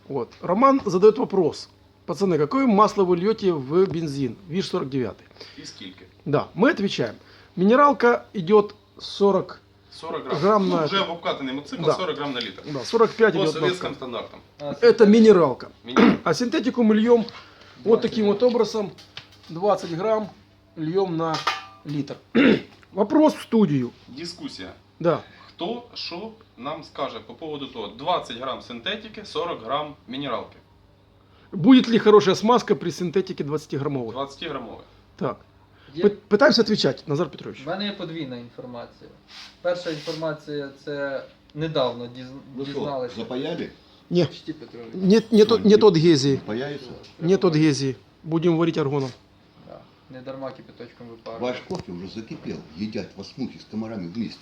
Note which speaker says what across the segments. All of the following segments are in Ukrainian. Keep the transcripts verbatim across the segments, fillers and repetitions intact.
Speaker 1: Вот. Роман задает вопрос. Пацаны, какое масло вы льете в бензин? ВИЖ сорок девять.
Speaker 2: І скільки?
Speaker 1: Да, мы отвечаем. Минералка идет сорок
Speaker 2: сорок грам.
Speaker 1: Грам
Speaker 2: ну,
Speaker 1: на-
Speaker 2: вже в обкатаний мотоцикл
Speaker 1: Да.
Speaker 2: сорок грам на літр.
Speaker 1: Да, сорок пять
Speaker 2: По
Speaker 1: идет.
Speaker 2: советским
Speaker 1: на-
Speaker 2: стандартам.
Speaker 1: Это минералка.
Speaker 2: Мінімум.
Speaker 1: А синтетику мы льем вот
Speaker 3: двадцать
Speaker 1: таким вот образом. двадцать грамм льем на литр. Вопрос в студию.
Speaker 2: Дискусія.
Speaker 1: Да.
Speaker 2: Хто що нам скаже по поводу того, двадцять грам синтетики, сорок грам мінералки.
Speaker 1: Будет ли хорошая смазка при синтетике двадцатиграммовой?
Speaker 2: двадцять грамових.
Speaker 1: Так.
Speaker 3: Є-
Speaker 1: Пы- Пытаемся отвечать, Назар Петрович.
Speaker 3: В мене є подвійна інформація. Перша інформація це недавно діз...
Speaker 4: Ну что,
Speaker 3: дізналися.
Speaker 4: запаяли?
Speaker 1: Не,
Speaker 3: Чті Петрович.
Speaker 1: нет, нет,
Speaker 4: Что,
Speaker 1: нет
Speaker 4: не-
Speaker 1: адгезии.
Speaker 4: Паяется?
Speaker 1: Нет адгезии. Будем варить аргоном.
Speaker 3: Да. Не дарма кипяточком випарювати.
Speaker 4: Ваш кофе уже закипел. Едят вас мухи с комарами вместе.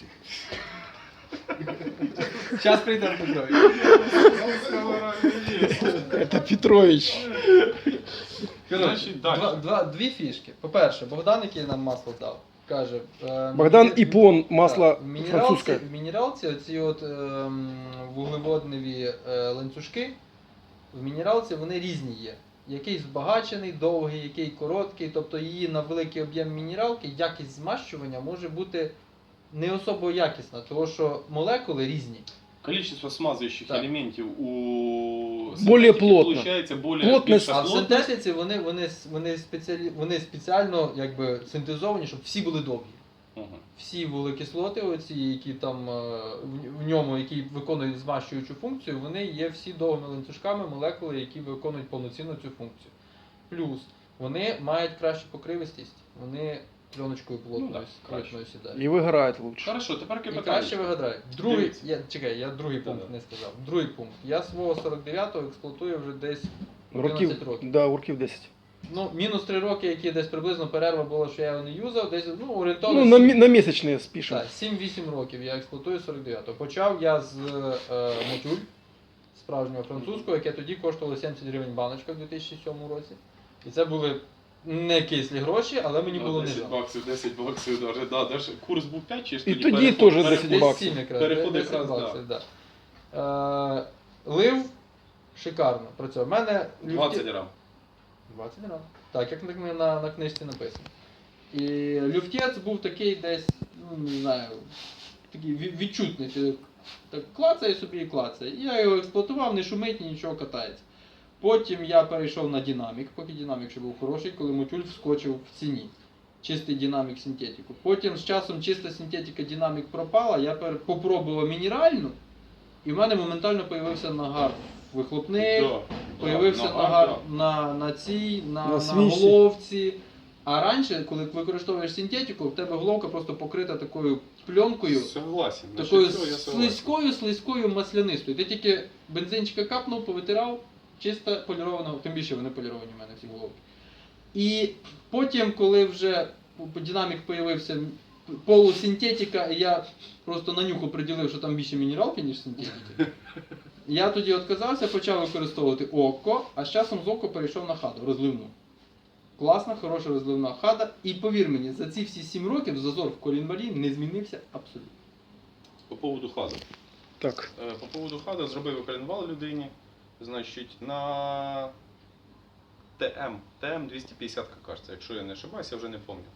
Speaker 3: Зараз прийде Петрович.
Speaker 1: Это Петрович.
Speaker 3: Коротше,
Speaker 2: Значить, далі.
Speaker 3: два, два, дві фішки. По-перше, Богдан, який нам масло дав, каже. е,
Speaker 1: Богдан
Speaker 3: міні-
Speaker 1: Ипон, масло
Speaker 3: Так, в мінералці,
Speaker 1: французское.
Speaker 3: в мінералці оці от ем, вуглеводневі е, ланцюжки, в мінералці вони різні є. Який збагачений, довгий, який короткий, тобто її на великий об'єм мінералки якість змащування може бути не особо якісна, тому що молекули різні.
Speaker 2: Количество смазуючих
Speaker 3: Так.
Speaker 2: елементів у
Speaker 1: Более
Speaker 2: синтетики
Speaker 1: плотно.
Speaker 2: получається более
Speaker 1: Плотність.
Speaker 2: більша
Speaker 3: А в
Speaker 2: плотність.
Speaker 3: синтетиці вони, вони, вони, спеціалі, вони спеціально якби, синтезовані, щоб всі були довгі.
Speaker 2: Мгм.
Speaker 3: Всі вуглекислоти, оці, які там е, в- в ньому, які виконують змащуючу функцію, вони є всі довгими ланцюжками молекули, які виконують повноцінно цю функцію. Плюс вони мають кращу покривистість, вони пленочкою плотною,
Speaker 2: Ну, так,
Speaker 3: критною сідають.
Speaker 1: И выгорает лучше.
Speaker 2: Хорошо, тепер
Speaker 3: І
Speaker 2: питання.
Speaker 3: краще вигадають. Другий,
Speaker 2: Дивіться.
Speaker 3: я, чекай, я другий пункт
Speaker 2: Да-да.
Speaker 3: не сказав. Другий пункт. Я свого сорок дев'ятого експлуатую вже десь
Speaker 1: Років,
Speaker 3: одинадцять років.
Speaker 1: да, років десять.
Speaker 3: Ну, мінус три роки, які десь приблизно перерва була, що я його не юзав, десь ну, орієнтовно.
Speaker 1: Ну, на,
Speaker 3: сім-
Speaker 1: мі- на місячні спішимо.
Speaker 3: Так, сім-вісім років я експлуатую сорок дев'ятого. Почав я з е, мотюль справжнього французького, яке тоді коштувало сімдесят гривень баночка в дві тисячі сьомому році. І це були не кислі гроші, але мені було не
Speaker 2: десять
Speaker 3: жаль.
Speaker 2: баксів, десять баксів даже, да, даже курс був п'ять чи ж
Speaker 1: І
Speaker 2: тоді
Speaker 1: тоді
Speaker 2: переход-
Speaker 1: теж
Speaker 2: переход-
Speaker 1: десять
Speaker 3: Десь
Speaker 1: баксів.
Speaker 3: сім якраз,
Speaker 2: Переход
Speaker 3: десять
Speaker 2: якраз,
Speaker 3: баксів, да. Е, лив шикарно працював. У мене
Speaker 2: двадцять
Speaker 3: люфті-
Speaker 2: грам.
Speaker 3: двадцять грам. Так, як на, на, на книжці написано. І люфтець був такий десь, ну не знаю, такий ві- відчутний. Ти так клацає собі і клацає. І я його експлуатував, не шумить, ні нічого катається. Потім я перейшов на динамік, поки динамік ще був хороший, коли мотюль вскочив в ціні. Чистий динамік синтетику. Потім з часом чиста синтетика динамік пропала, я пер- попробував мінеральну, і в мене моментально з'явився нагар вихлопних.
Speaker 2: Да,
Speaker 3: Появився
Speaker 2: да,
Speaker 3: нагар
Speaker 2: да.
Speaker 3: на, на цій, на,
Speaker 1: На
Speaker 3: на,
Speaker 1: свічці.
Speaker 3: головці. А раніше, коли використовуєш синтетику, в тебе головка просто покрита такою пленкою,
Speaker 2: Согласен. Значить,
Speaker 3: такою
Speaker 2: все, я согласен.
Speaker 3: слизькою, слизькою маслянистою. Ти тільки бензинчика капнув, повитирав, чисто поліровано, тим більше вони поліровані в мене всі головки. І потім, коли вже по- динамік появився полусинтетика, і я просто на нюху приділив, що там більше мінералки, ніж синтетики. Я тоді відказався, почав використовувати око, а з часом з око перейшов на хаду, розливну. Класна, хороша розливна хада. І повір мені, за ці всі сім років зазор в колінвалі не змінився абсолютно.
Speaker 2: По поводу хаду.
Speaker 1: Так.
Speaker 2: Е, По поводу хаду зробив коленвал людині, значить, на ТМ, ТМ двісті п'ятдесят, кажеться, якщо я не ошибаюсь, я вже не пам'ятаю.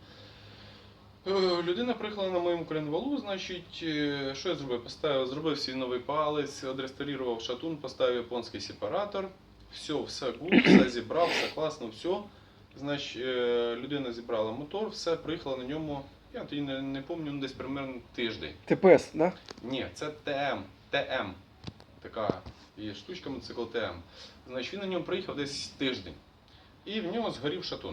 Speaker 2: Е, Людина приїхала на моєму коленвалу, значить, е, що я зробив? Поставив, зробив свій новий палець, відреставрував шатун, поставив японський сепаратор, все, все гуд, все зібрав, все класно, все. Значить, е, людина зібрала мотор, все, приїхала на ньому, я тоді не, не пам'ятаю, ну, десь примерно тиждень.
Speaker 1: ТПС, да?
Speaker 2: Ні, це ТМ. ТМ. Така є штучка мотоцикл ТМ. Значить, він на ньому приїхав десь тиждень. І в нього згорів шатун.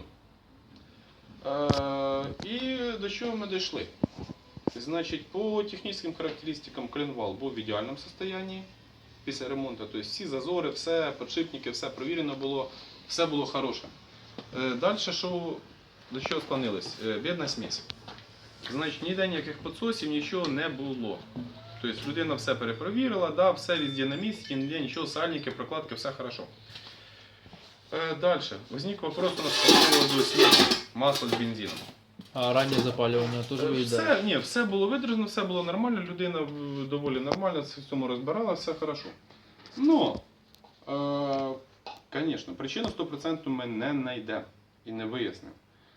Speaker 2: Е, і до чого ми дійшли? Значить, по технічним характеристикам коленвал був в ідеальному стані після ремонту. Тобто всі зазори, все, подшипники, все провірено було, все було хороше. Е, далі, що, до чого склонилось? Е, бідна смесь. Значить, ніде ніяких підсосів, нічого не було. Тобто людина все перепровірила, да, все везде на місці, ніде нічого, сальники, прокладки, все хорошо. Е, далі. Возник вопрос у нас по поводу смеси масла з бензином.
Speaker 3: А раннє запалювання теж
Speaker 2: Е, Все, ні, все було видержано, все було нормально, людина в- доволі нормально в цьому розбирала, все хорошо. Но Звісно, причину сто відсотків ми не знайдемо і не вияснимо.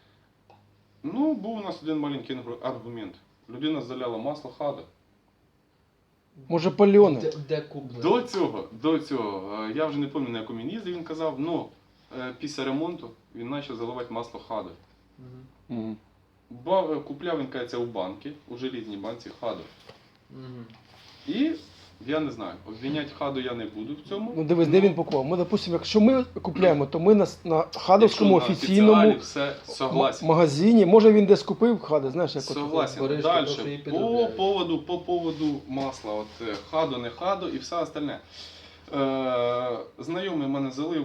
Speaker 2: Ну, був у нас один маленький аргумент. Людина заляла масло хада.
Speaker 1: Може пальоне?
Speaker 3: Де, де куплено?
Speaker 2: До цього, до цього, е, я вже не пам'ятаю, на якому він їздив, він казав, ну, е, після ремонту він почав заливати масло хада.
Speaker 3: Мгм.
Speaker 1: Мгм.
Speaker 2: Ба- Купляв він, кажеться, у банки, у желізній банці хаду.
Speaker 3: Мгм.
Speaker 2: І, я не знаю, обвиняти хаду я не буду в цьому.
Speaker 1: Ну дивись, де він пакував. Ми, допустимо, якщо ми купляємо, то ми на, на хадовському
Speaker 2: Якщо на
Speaker 1: офіційному
Speaker 2: офіціалі все согласен.
Speaker 1: магазині. Може він десь купив хади, знаєш, як от.
Speaker 2: Согласен.
Speaker 3: Береш,
Speaker 2: Далі,
Speaker 3: то, що її
Speaker 2: по
Speaker 3: підробляють.
Speaker 2: поводу, по поводу масла, от е, хаду, не хаду і все остальне. Е, знайомий мене залив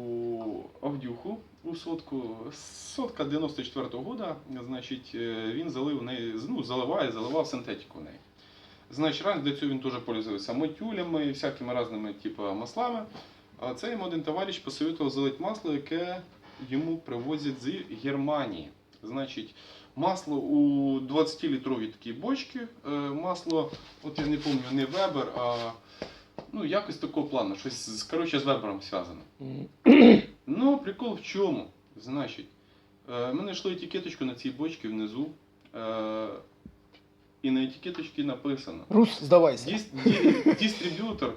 Speaker 2: у Авдюху, у сотку, сотка дев'яносто четвертого года, значить, е, він залив в неї, ну, заливає, заливав синтетику в неї. Значить, раніше до цього він теж пользувався мотюлями і всякими різними типу, маслами. А це йому один товариш посоветував залити масло, яке йому привозять з Германії. Значить, масло у двадцятилітровій такій бочці, е, масло, от я не пам'ятаю, не Weber, а ну, якось такого плану, щось з, коротше, з Weberом зв'язано.
Speaker 1: Мгм.
Speaker 2: Ну, прикол в чому? Значить, е, ми знайшли етикеточку на цій бочці внизу, е, і на етикеточці написано
Speaker 1: Рус, здавайся.
Speaker 2: Дис- ди- дистриб'ютор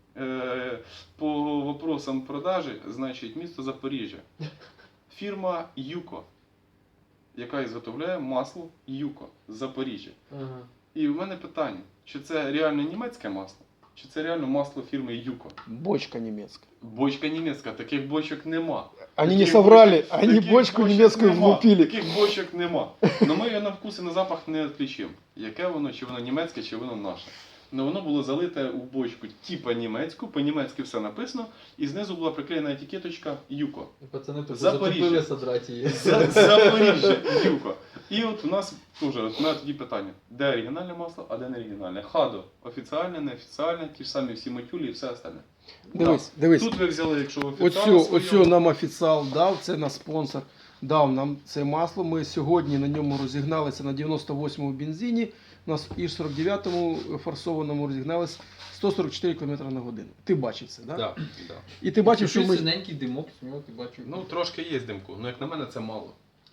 Speaker 2: е, по вопросам продажі, значить, місто Запоріжжя. Фірма Юко, яка ізготовляє масло Юко з Запоріжжя.
Speaker 3: Ага.
Speaker 2: І в мене питання, чи це реально німецьке масло, чи це реально масло фірми Юко?
Speaker 1: Бочка німецька.
Speaker 2: Бочка німецька, таких бочок нема.
Speaker 1: Они не
Speaker 2: Таких
Speaker 1: соврали,
Speaker 2: бочок-
Speaker 1: они
Speaker 2: таких
Speaker 1: бочку
Speaker 2: бочок
Speaker 1: немецкую
Speaker 2: нема,
Speaker 1: влупили.
Speaker 2: Таких бочок нема. Но ми її на вкус і на запах не відлічимо. Яке воно, чи воно німецьке, чи воно наше. Но воно було залите у бочку типа німецьку, по-німецьки все написано, і знизу була приклеєна етикеточка Юко.
Speaker 3: І пацани тут
Speaker 2: Запоріжжя.
Speaker 3: затопили содрати її.
Speaker 2: За- Запоріжжя, Юко. І от у нас теж от у мене тоді питання, де оригінальне масло, а де не оригінальне. Хадо, офіціальне, неофіціальне, ті ж самі всі матюлі і все остальне.
Speaker 1: Дивись, дивись.
Speaker 2: Тут ви взяли, якщо офіціально
Speaker 1: Оцю,
Speaker 2: своє-
Speaker 1: оцю нам офіціал дав, це наш спонсор дав нам це масло. Ми сьогодні на ньому розігналися на дев'яносто восьмому бензині, на І сорок дев'ятому форсованому розігналися сто сорок чотири км на годину. Ти бачив це, так? Да?
Speaker 2: Да, да.
Speaker 1: І ти бачив, що ми
Speaker 3: синенький димок, з нього ти бачив.
Speaker 2: Ну, трошки є димку, але як на мене це мало.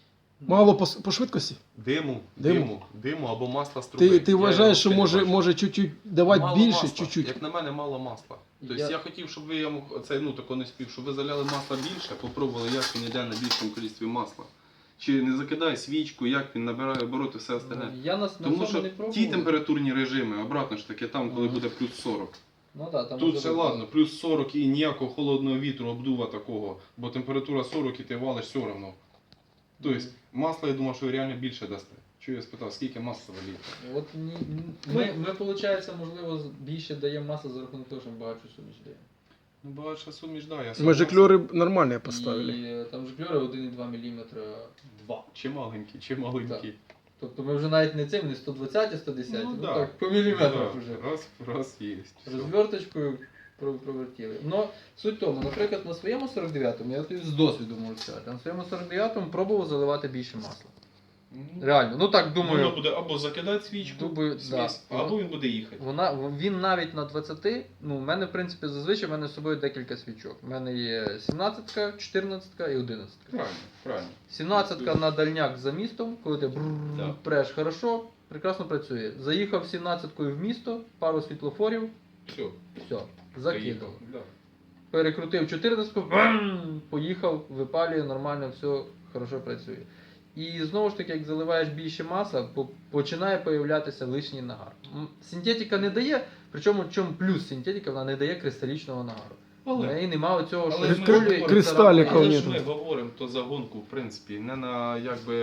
Speaker 1: мало по, по швидкості.
Speaker 2: Диму,
Speaker 1: Диму.
Speaker 2: диму, диму або масла з труби.
Speaker 1: Ти, ти
Speaker 2: Я
Speaker 1: вважаєш, що
Speaker 2: його
Speaker 1: може,
Speaker 2: взагалі не
Speaker 1: може чуть-чуть давати
Speaker 2: бачу.
Speaker 1: більше,
Speaker 2: Мало масла.
Speaker 1: чуть-чуть.
Speaker 2: Як на мене, мало масла. Тобто
Speaker 3: Я-
Speaker 2: я, хотів, щоб ви я мог, це, ну, тако не спів, щоб ви заляли масла більше, попробували, як він йде на більшому кількості масла. Чи не закидає свічку, як він набирає обороти, все остальне.
Speaker 3: Ну, я нас на
Speaker 2: Тому
Speaker 3: цьому
Speaker 2: що
Speaker 3: не пробував.
Speaker 2: ті температурні режими, обратно ж таки, там, коли
Speaker 3: Ага.
Speaker 2: буде плюс сорок.
Speaker 3: Ну, да, там
Speaker 2: Тут
Speaker 3: може
Speaker 2: все
Speaker 3: бути.
Speaker 2: ладно, плюс сорок і ніякого холодного вітру, обдува такого, бо температура сорок і ти валиш все одно. Тобто масло, я думав, що ви реально більше дасте. Чого я спитав, скільки масла ви лієте?
Speaker 3: От ні, ні- ми, ми, виходить, можливо, з- більше даємо масло за рахунок того, що ми багатшу суміш даємо.
Speaker 2: Ну, багатша суміш, да, я
Speaker 1: Ми
Speaker 2: согласен.
Speaker 1: жикльори нормально поставили.
Speaker 3: І е, там жикльори один і два міліметри.
Speaker 2: Два. Чи маленькі, чи маленькі.
Speaker 3: Тобто ми вже навіть не цим, не сто двадцять, сто десять, ну,
Speaker 2: да.
Speaker 3: так, по міліметрах
Speaker 2: Да,
Speaker 3: вже.
Speaker 2: Раз, раз є. Все.
Speaker 3: Розверточкою про- провертіли. Ну, суть в тому, наприклад, на своєму сорок дев'ятому, я тобі з досвіду можу сказати, на своєму сорок дев'ятому пробував заливати більше масла.
Speaker 2: Ну,
Speaker 3: Реально, ну так думаю.
Speaker 2: Воно буде або закидати свічку,
Speaker 3: Думаю,
Speaker 2: смесь,
Speaker 3: да.
Speaker 2: або він буде їхати.
Speaker 3: Вона, він навіть на двадцяти, ну, в мене, в принципі, зазвичай в мене з собою декілька свічок. У мене є сімнадцятка, чотирнадцятка і одинадцятка.
Speaker 2: Правильно, правильно.
Speaker 3: сімнадцятка на дальняк за містом, коли ти брррр
Speaker 2: Да.
Speaker 3: преш хорошо, прекрасно працює. Заїхав сімнадцяткою в місто, пару світлофорів,
Speaker 2: Все,
Speaker 3: все, закидав.
Speaker 2: заїхав. Да.
Speaker 3: Перекрутив чотирнадцятку, бам, поїхав, випалює, нормально, все хорошо працює. І знову ж таки, як заливаєш більше маса, по- починає появлятися лишній нагар. М, Синтетика не дає, причому в чому плюс синтетика, вона не дає кристалічного нагару. В
Speaker 2: Але,
Speaker 3: неї нема оцього, що
Speaker 2: але ж ми
Speaker 3: розколює і
Speaker 2: говоримо,
Speaker 1: кристаліків
Speaker 3: царапає.
Speaker 2: але ж
Speaker 1: нету.
Speaker 2: ми говоримо то за гонку, в принципі, не на якби,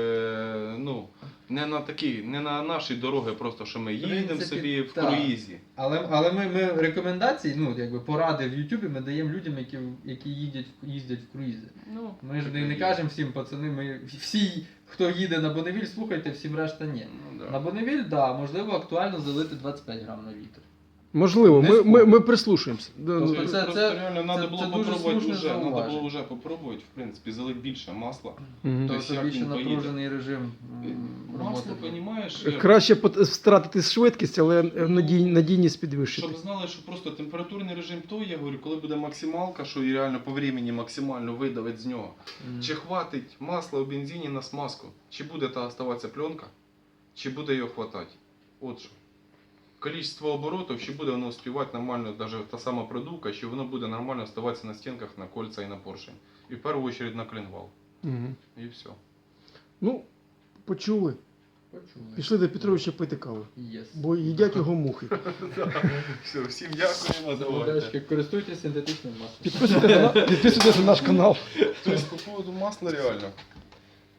Speaker 2: ну, не на такі, не на наші дороги, просто що ми їдемо
Speaker 3: принципі,
Speaker 2: собі в
Speaker 3: так.
Speaker 2: круїзі.
Speaker 3: Але, але ми, ми рекомендації, ну якби поради в Ютубі ми даємо людям, які, які їздять, в- їздять в круїзи.
Speaker 2: Ну,
Speaker 3: Ми ж не, не кажемо всім, пацани, ми всі, хто їде на Бонневіль, слухайте, всім решта ні.
Speaker 2: Ну, да.
Speaker 3: На Бонневіль, да, можливо, актуально залити двадцять п'ять грам на літр.
Speaker 1: Можливо,
Speaker 2: Не
Speaker 1: ми, ми,
Speaker 2: спорю.
Speaker 1: ми прислушаємося. Да,
Speaker 2: Тобто
Speaker 1: ну,
Speaker 3: це-
Speaker 2: просто
Speaker 3: це-
Speaker 2: реально
Speaker 3: це-
Speaker 2: треба
Speaker 3: це
Speaker 2: було
Speaker 3: дуже
Speaker 2: попробувати
Speaker 3: слушне
Speaker 2: вже, треба
Speaker 3: зауваження.
Speaker 2: було вже попробувати, в принципі, залити більше масла.
Speaker 1: мгм.
Speaker 3: То
Speaker 2: Тобто,
Speaker 3: це
Speaker 2: як
Speaker 3: більше
Speaker 2: він поїде?
Speaker 3: напружений режим м,
Speaker 2: Масло,
Speaker 3: роботи.
Speaker 2: розумієш,
Speaker 1: Краще пот- втратити швидкість, але надій, надійність підвищити.
Speaker 2: щоб знали, що просто температурний режим той, я говорю, коли буде максималка, що і реально по времени максимально видавить з нього.
Speaker 3: Мгм.
Speaker 2: Чи хватить масла у бензині на смазку? Чи буде та оставатися пленка? Чи буде її хватати? От що. Количество оборотів, чи буде воно успівати нормально, навіть та сама продувка, чи воно буде нормально оставатися на стінках, на кольця і на поршень. І в першу чергу на клинвал.
Speaker 1: Мгм.
Speaker 2: І все.
Speaker 1: Ну, почули.
Speaker 3: Почули.
Speaker 1: Пішли до Петровича пити каву,
Speaker 3: Єс.
Speaker 1: бо їдять його мухи.
Speaker 2: Все, всім дякуємо.
Speaker 3: Удачки, користуйтесь синтетичним маслом.
Speaker 1: Підписуйтесь на, підписуйтесь на наш канал.
Speaker 2: Тобто, по поводу масла реально.